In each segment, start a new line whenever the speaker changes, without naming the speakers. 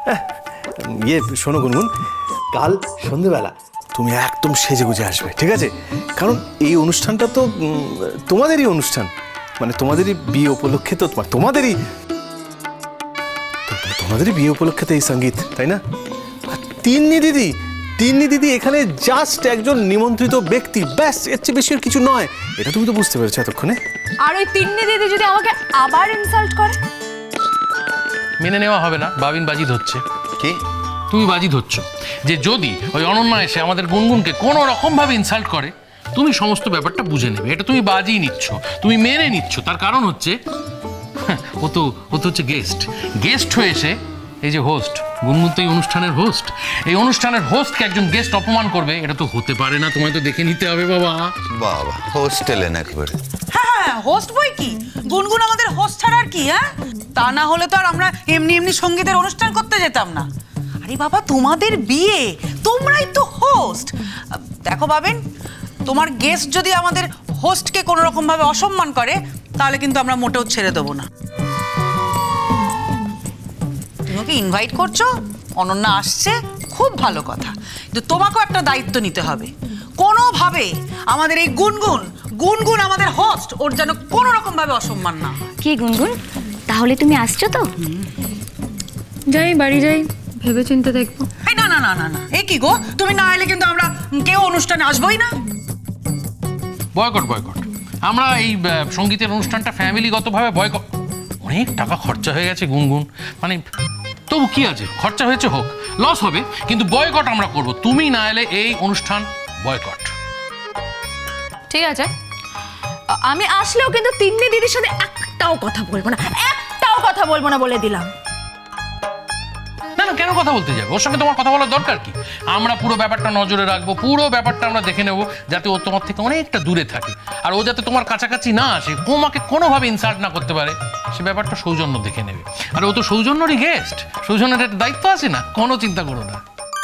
শোনো গুনগুন, কাল সন্ধেবেলা তুমি একদম সেজে গুজে আসবে, ঠিক আছে? কারণ এই অনুষ্ঠানটা তো তোমাদেরই অনুষ্ঠান, মানে তোমাদেরই বিয়ে উপলক্ষে তো তোমাদেরই বিয়ে উপলক্ষে তো এই সঙ্গীত, তাই না? আর তিন্নি দিদি এখানে জাস্ট একজন নিমন্ত্রিত ব্যক্তি, ব্যাস, এর চেয়ে বেশি আর কিছু নয়। এটা তুমি তো বুঝতে পেরেছো এতক্ষণে।
আর ওই তিন্নি দিদি যদি আমাকে আবার ইনসাল্ট করে?
মেনে নেওয়া হবে না, বাবিন বাজি ধরছে।
কি
তুমি বাজি ধরছো যে যদি ওই অনন্যা এসে আমাদের গুনগুনকে কোনো রকমভাবে ইনসাল্ট করে, তুমি সমস্ত ব্যাপারটা বুঝে নেবে। এটা তুমি বাজি নিচ্ছ, তুমি মেনে নিচ্ছ। তার কারণ হচ্ছে ও তো হচ্ছে গেস্ট হয়ে এসে, এই যে হোস্ট, গুনগুন তো এই অনুষ্ঠানের হোস্ট, এই অনুষ্ঠানের হোস্টকে একজন গেস্ট অপমান করবে, এটা তো হতে পারে না। তোমায় তো দেখে নিতে হবে বাবা।
বাবা হোস্টেলে না একবারে।
হ্যাঁ, হোস্ট বই কি, গুনগুন আমাদের হোস্ট ছাড়া আর কি? হ্যাঁ, তা না হলে তো আর আমরা এমনি সঙ্গীতের অনুষ্ঠান করতে যেতাম না। আরে বাবা, তোমাদের বিয়ে, তোমরাই তো হোস্ট। দেখো বাবিন, তোমার গেস্ট যদি আমাদের হোস্টকে কোনো রকম ভাবে অসম্মান করে, তাহলে কিন্তু আমরা মোটেও ছেড়ে দেবো না। তুমি ওকে ইনভাইট করছো, অনন্যা আসছে, খুব ভালো কথা, কিন্তু তোমাকেও একটা দায়িত্ব নিতে হবে। কোনোভাবে আমাদের এই গুনগুন আমাদের হোস্ট, ওর যেন কোনো রকম ভাবে অসম্মান না।
কি গুনগুন, তাহলে তুমি আসছো তো? যাই, বাড়ি যাই, ভেবে চিন্তে দেখবো।
এই না, এই কি গো, তুমি না এলে কিন্তু আমরা কেউ অনুষ্ঠানে আসবোই না।
বয়কট। আমরা এই সঙ্গীতের অনুষ্ঠানটা ফ্যামিলিগতভাবে বয়কট। অনেক টাকা খরচা হয়ে গেছে গুনগুন, মানে তবু কি আছে, খরচা হয়েছে, হোক, লস হবে, কিন্তু বয়কট আমরা করব। তুমি না এলে এই অনুষ্ঠান বয়কট।
ঠিক আছে, আমি আসলেও কিন্তু তিন্নি দিদির সাথে একটাও কথা বলবো না বলে দিলাম।
না, কেন কথা বলতে যাবে? ওর সঙ্গে তোমার কথা বলার দরকার কি? আমরা পুরো ব্যাপারটা নজরে রাখবো, পুরো ব্যাপারটা আমরা দেখে নেবো, যাতে ও তোমার থেকে অনেকটা দূরে থাকে, আর ও যাতে তোমার কাছাকাছি না আসে, তোমাকে কোনোভাবে ইনসাল্ট না করতে পারে, সে ব্যাপারটা সৌজন্য দেখে নেবে। আর ও তো সৌজন্যরই গেস্ট, সৌজন্যের একটা দায়িত্ব আছে না, কোনো চিন্তা করো না।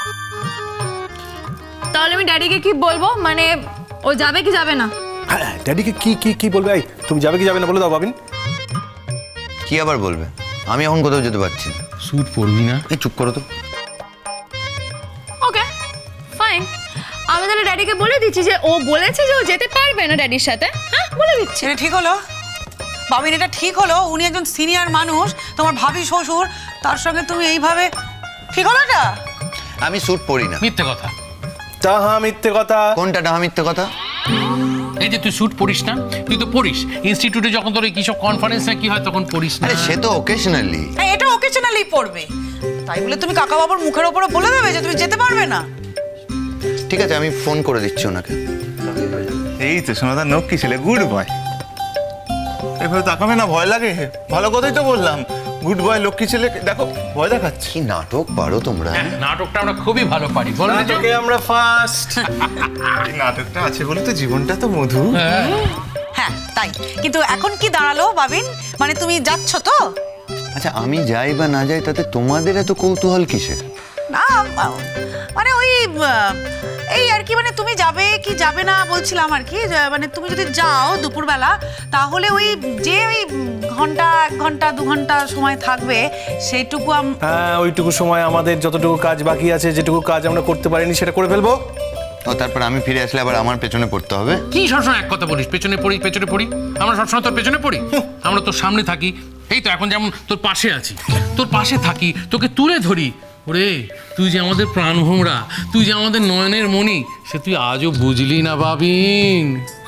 তাহলে আমি ড্যাডিকে কি বলবো, মানে ও যাবে কি যাবে না?
হ্যাঁ, ড্যাডিকে কি বলবে? এই তুমি যাবে কি যাবে না বলে দাও বাবিন।
কি আবার বলবে? আমি এখন কোথাও যেতে পারছি না।
স্যুট পরবি না?
এই চুপ করো তো।
Okay, fine. আমি তাহলে ড্যাডিকে বলে দিচ্ছি যে ও বলেছে যে ও যেতে পারবে না ড্যাডির সাথে। হ্যাঁ, বলে দিচ্ছি।
এটা ঠিক হলো বাবিন, এটা ঠিক হলো। উনি একজন সিনিয়র মানুষ, তোমার ভাবি শ্বশুর, তার সঙ্গে তুমি এইভাবে, ঠিক হলো এটা?
আমি স্যুট পরি না।
মিথ্যে কথা।
তাহা মিথ্যে কথা।
কোনটা ডাহা মিথ্যে কথা?
এই যে তুই স্যুট পরিস না, তুই তো পরিস ইনস্টিটিউটে, যখন তোর কিসব কনফারেন্স না কি হয় তখন পরিস না।
আরে সে তো ওকেশনালি।
হ্যাঁ, এটা ওকেশনালি পড়বে, তাই বলে তুমি কাকা বাবুর মুখের ওপরে বলে দেবে যে তুমি যেতে পারবে না?
ঠিক আছে, আমি ফোন করে দিচ্ছি ওনাকে।
এই তো সোনাদার নখ কি ছেলে, গুড বয়। এভাবে তাকাবে না, ভয় লাগে? ভালো কথাই তো বললাম, গুড বয়, লক্ষ্মী ছেলে, দেখো ভয় দেখাচ্ছি।
কি নাটক পারো তোমরা।
হ্যাঁ, নাটকটা আমরা খুবই ভালো পারি, বল না?
নাটকে আমরা ফার্স্ট।
এই নাটকটা আছে বলে তো জীবনটা তো মধু।
হ্যাঁ, তাই। কিন্তু এখন কি দাঁড়ালো বাবিন, মানে তুমি যাচ্ছ তো?
আচ্ছা, আমি যাই বা না যাই তাতে তোমাদের এত কৌতূহল কিসের?
না, মানে ওই এই আর কি, মানে তুমি যাবে কি যাবে না বলছিলাম আর কি। মানে তুমি যদি যাও দুপুরবেলা, তাহলে ওই যে ওই ঘন্টা 1 ঘন্টা 2 ঘন্টা সময় থাকবে, সেইটুকু
হ্যাঁ, ওইটুকু সময় আমাদের যতটুকু কাজ বাকি আছে, যেটুকু কাজ আমরা করতে পারিনি সেটা করে ফেলবো।
ও তারপর আমি ফিরে আসলে আবার আমার পেছনে পড়তে হবে?
কি সবসময় এক কথা বলিস, পেছনে পড়ি? আমরা সবসময় তোর পেছনে পড়ি? আমরা তোর সামনে থাকি। এই তো এখন যেমন তোর পাশে আছি, তোর পাশে থাকি, তোকে তুলে ধরি। ওরে, তুই যে আমাদের প্রাণভোমরা, তুই যে আমাদের নয়নের মণি, সে তুই আজও বুঝলি না বাবিন।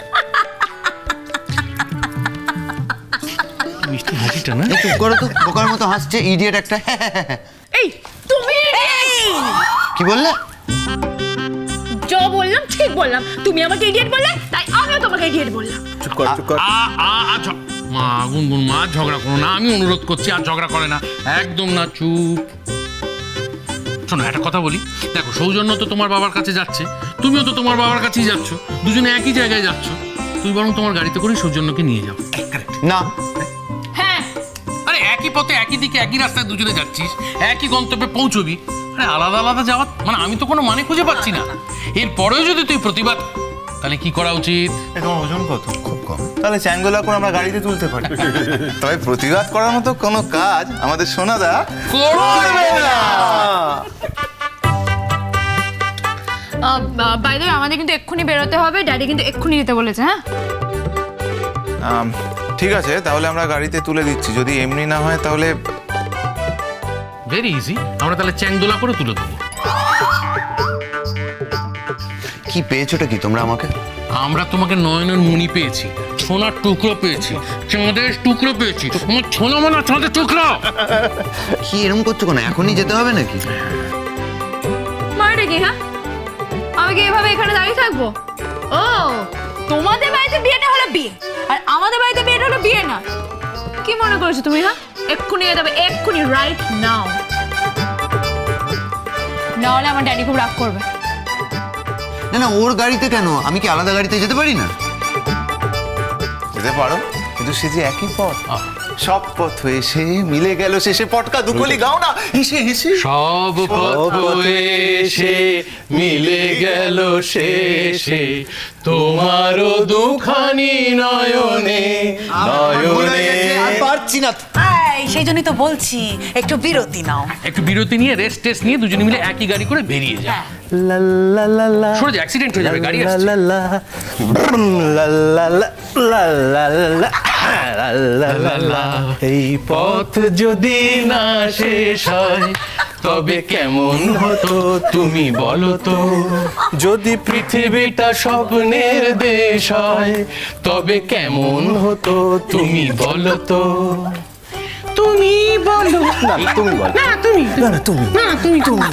মিষ্টি হাসিটা না?
এই চুপ করো তো, বোকার মতো হাসছে ইডিয়েট একটা।
এই তুমি
কি বললে?
যা বললাম ঠিক বললাম, তুমি আমাকে ইডিয়েট বললে, তাই আমিও তোমাকে ইডিয়েট বললাম।
চুপ কর।
মা, গুনগুন মা, ঝগড়া করো না, আমি অনুরোধ করছি, আর ঝগড়া করে না, একদম না, চুপ। শোনো, একটা কথা বলি, দেখো, সৌজন্য তো তোমার বাবার কাছে যাচ্ছে, তুমিও তো তোমার বাবার কাছেই যাচ্ছ, দুজনে একই জায়গায় যাচ্ছ। তুই বরং তোমার গাড়িতে করে সৌজন্যকে নিয়ে যাও।
না।
হ্যাঁ,
আরে একই পথে, একই দিকে, একই রাস্তায় দুজনে যাচ্ছিস, একই গন্তব্যে পৌঁছবি। আরে আলাদা আলাদা যাওয়া মানে আমি তো কোনো মানে খুঁজে পাচ্ছি না। এরপরেও যদি তুই প্রতিবাদ, তাহলে কি করা উচিত?
তোমার ওজন কত?
খুব কম।
তাহলে চ্যাঙ্গোলা করে আমরা গাড়িতে তুলতে পারি। তবে প্রতিবাদ করার মতো কোনো কাজ আমাদের সোনাদা করবে না।
বাই দ্য ওয়ে, আমাদের কিন্তু এক্ষুনি বেরোতে হবে, ড্যাডি কিন্তু এক্ষুনি যেতে বলেছে। হ্যাঁ
ঠিক আছে, তাহলে আমরা গাড়িতে তুলে দিচ্ছি। যদি এমনি না হয় তাহলে
ভেরি ইজি, আমরা তাহলে চ্যাংদোলা করে তুলে দেবো।
কি পেয়েছোটা কি তোমরা আমাকে?
আমরা তোমাকে নয়নের মণি পেয়েছি, সোনার টুকরো পেয়েছি, চাঁদের টুকরো পেয়েছি। আমার ছোনা মোনা চাঁদের টুকরো।
কি এরকম করছো কেন? এখনই যেতে হবে নাকি?
মারটা কি? হ্যাঁ আমি কি এভাবে এখানে দাঁড়িয়ে থাকবো? ও তোমাদের বাড়িতে বিয়েটা হলো বিয়ে, আর আমাদের বাড়িতে বিয়েটা হলো বিয়ে না। কি মনে করছো তুমি? হ্যাঁ এক্ষুনি যেতে হবে, এক্ষুনি, রাইট নাও, নাহলে আমার ড্যাডি খুব রাগ করবে।
না না, ওর গাড়িতে কেন? আমি কি আলাদা গাড়িতে যেতে পারি না?
যেতে পারো, কিন্তু সে যে একই পথ, সব পথ হয়ে সে মিলে গেল শেষে পটকা দুকলি গাও না হেসে হেসে।
সব পথ এসে মিলে গেল শেষে, তোমারও দুখানি নয়নে নয়নে।
পারছি না।
সেই জন্যই তো বলছি একটু বিরতি নাও।
একটু বিরতি নিয়ে রেস্ট টেস্ট নিয়ে দুজনে মিলে একই গাড়ি করে বেরিয়ে যায়।
লা লা লা লা
সরে যা, অ্যাক্সিডেন্ট হয়ে যাবে, গাড়ি আসছে।
লা লা লা লা লা লা লা লা লা লা। এই পথ যদি না শেষ হয় তবে কেমন হতো তুমি বলো তো? যদি পৃথিবীটা স্বপ্নের দেশ হয় তবে কেমন হতো তুমি বলো তো? তুমি বলো না, তুমি বলো না, তুমি না, তুমি না, তুমি তুমি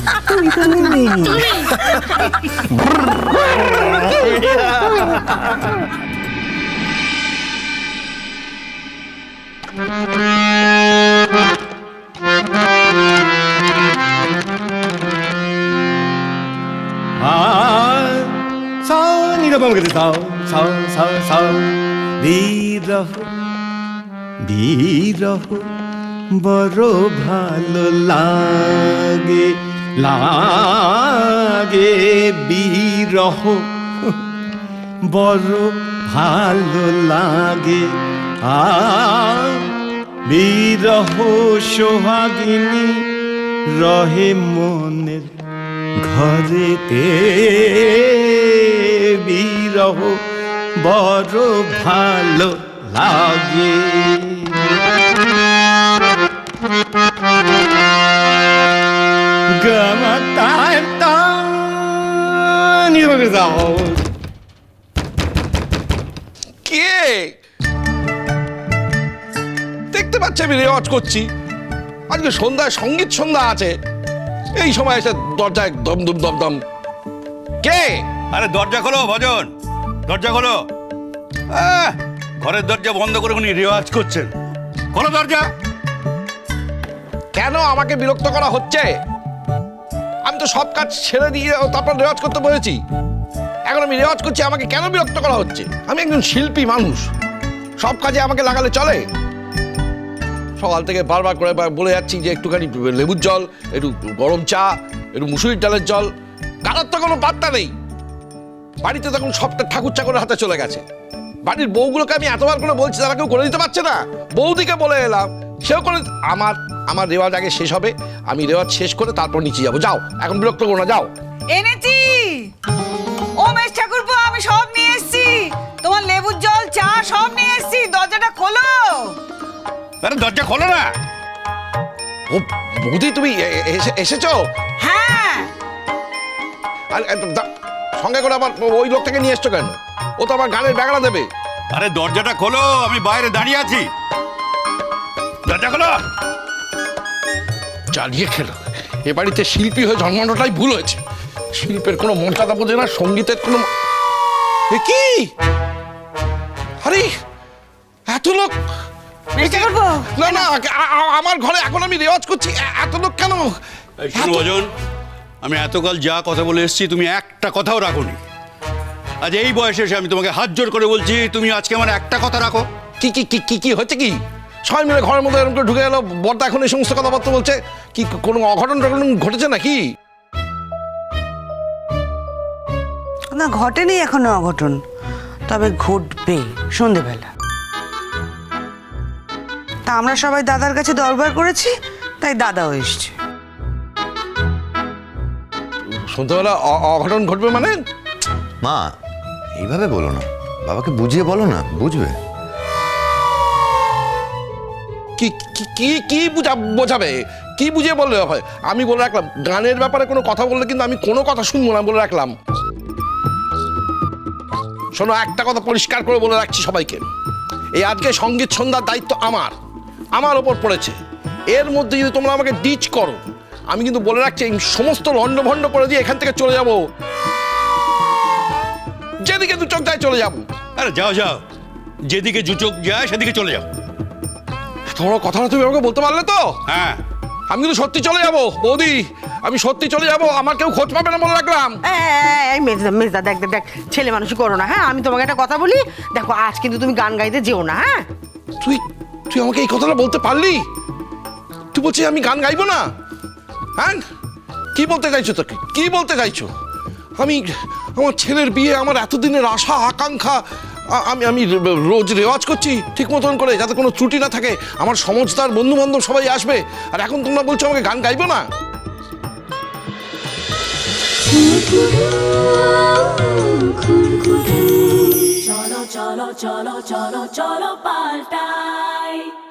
বিরহ বড় ভালো লাগে, লাগে বিরহ বড় ভালো লাগে। বিরহ সোহাগিনী রহে মনের ঘরেতে, বিরহ বড় ভালো লাগে।
কে দেখতে পাচ্ছে আমি রেওয়াজ করছি? আজকে সন্ধ্যায় সঙ্গীত সন্ধ্যা আছে, এই সময় এসে দরজায় দম দম দম দম। কে?
আরে দরজা খোলো ভজন, দরজা খোলো। ঘরের দরজা বন্ধ করে উনি রেওয়াজ করছেন, খোলো দরজা।
কেন আমাকে বিরক্ত করা হচ্ছে? আমি তো সব কাজ ছেড়ে দিয়ে তারপর রেওয়াজ করতে বলেছি। এখন আমি রেওয়াজ করছি, আমাকে কেন বিরক্ত করা হচ্ছে? আমি একজন শিল্পী মানুষ, সব কাজে আমাকে লাগালে চলে? সকাল থেকে বারবার করে বলে যাচ্ছি যে একটুখানি লেবুর জল, একটু গরম চা, একটু মুসুরির ডালের জল। কারোর তো কোনো পাত্তা নেই। বাড়িতে তখন সবটা ঠাকুর চাকরের হাতে চলে গেছে। বাড়ির বউগুলোকে আমি এতবার করে বলছি, তারা কেউ করে দিতে পারছে না। বৌদিকে বলে এলাম, সেও করে। আমার রেওয়াজ আগে শেষ হবে, আমি রেওয়াজ শেষ করে তারপর নিচে যাবো। যাও, এখন বিরক্ত করো না, যাও।
এনেছি ও মেশ ঠাকুরপো, আমি সব নিয়ে এসেছি। তোমার লেবুর জল, চা সব নিয়ে এসেছি। দরজাটা খোলো।
আরে দরজা খোলো না।
ও বৌদি, তুমি এসেছো?
হ্যাঁ।
আর সঙ্গে করে আবার ওই লোকটাকে নিয়ে এসছো কেন? ও তো আমার গানের ব্যাগড়া দেবে।
আরে দরজাটা খোলো, আমি বাইরে দাঁড়িয়ে আছি, দরজা খোলো।
চালিয়ে খেলো। এ বাড়িতে শিল্পী হয়ে জন্মানোটাই ভুল হয়েছে। শিল্পের কোনো মর্যাদা বোঝে না, সঙ্গীতের কোনো। এ কি? আরে এত লোক! না না, আমার ঘরে এখন আমি রেওয়াজ করছি, এত লোক কেন?
শুনো ভজন, আমি এতকাল যা কথা বলে এসেছি তুমি একটা কথাও রাখোনি। আজ এই বয়সে এসে আমি তোমাকে হাত জোর করে বলছি, তুমি আজকে আমার একটা কথা রাখো।
কি কি কি কি কি হচ্ছে? কি সবাই মিলে ঘরের মধ্যে এরকম করে ঢুকে গেল? বড়দা এখন এই সমস্ত কথাবার্তা বলছে? কি কোনো অঘটন টঘটন ঘটেছে নাকি?
না, ঘটেনি এখনো অঘটন, তবে ঘটবে সন্ধেবেলা।
তা আমরা সবাই দাদার কাছে দরবার করেছি, তাই দাদাও এসছে।
সন্ধ্যাবেলা অঘটন ঘটবে মানে?
মা এইভাবে বলো না, বাবাকে বুঝিয়ে বলো না, বুঝবে।
কি কি কি কি বোঝাবে? কি বুঝিয়ে বললে হয়? আমি বলে রাখলাম, গানের ব্যাপারে কোনো কথা বললে কিন্তু আমি কোনো কথা শুনবো না, বলে রাখলাম। শোনো, একটা কথা পরিষ্কার করে বলে রাখছি সবাইকে, এই আজকে সঙ্গীত সন্ধ্যার দায়িত্ব আমার ওপর পড়েছে। এর মধ্যে যদি তোমরা আমাকে ডিচ করো, আমি কিন্তু বলে রাখছি এই সমস্ত লন্ডভন্ড করে দিয়ে এখান থেকে চলে যাব, যেদিকে দু চোখ যায় চলে যাব।
আরে যাও যাও, যেদিকে জুচোক যায় সেদিকে চলে যাও।
তোমরা কথাটা তুমি আমাকে বলতে পারলে তো?
হ্যাঁ,
আমি কিন্তু সত্যি চলে যাব বৌদি, আমি সত্যি চলে যাব, আমার কেউ খোঁজ পাবে না বলে রাখলাম।
এই মেজদা দেখ দেখ দেখ, ছেলে মানুষ করো না, হ্যাঁ? আমি তোমাকে একটা কথা বলি, দেখো আজ কিন্তু তুমি গান গাইতে যেও না, হ্যাঁ?
তুই তুই আমাকে এই কথাটা বলতে পারলি? তুই বলছিস আমি গান গাইবো না? হ্যাঁ, কি বলতে চাইছো? তোকে কি বলতে চাইছো? আমি আমার ছেলের বিয়ে, আমার এতদিনের আশা আকাঙ্ক্ষা, আমি রোজ রেওয়াজ করছি ঠিক মতন করে, যাতে কোনো ত্রুটি না থাকে, আমার সমজদার বন্ধু বান্ধব সবাই আসবে, আর এখন তোমরা বলছো আমাকে গান গাইবো না?
চলো চলো চলো চলো চলো পাল্টাই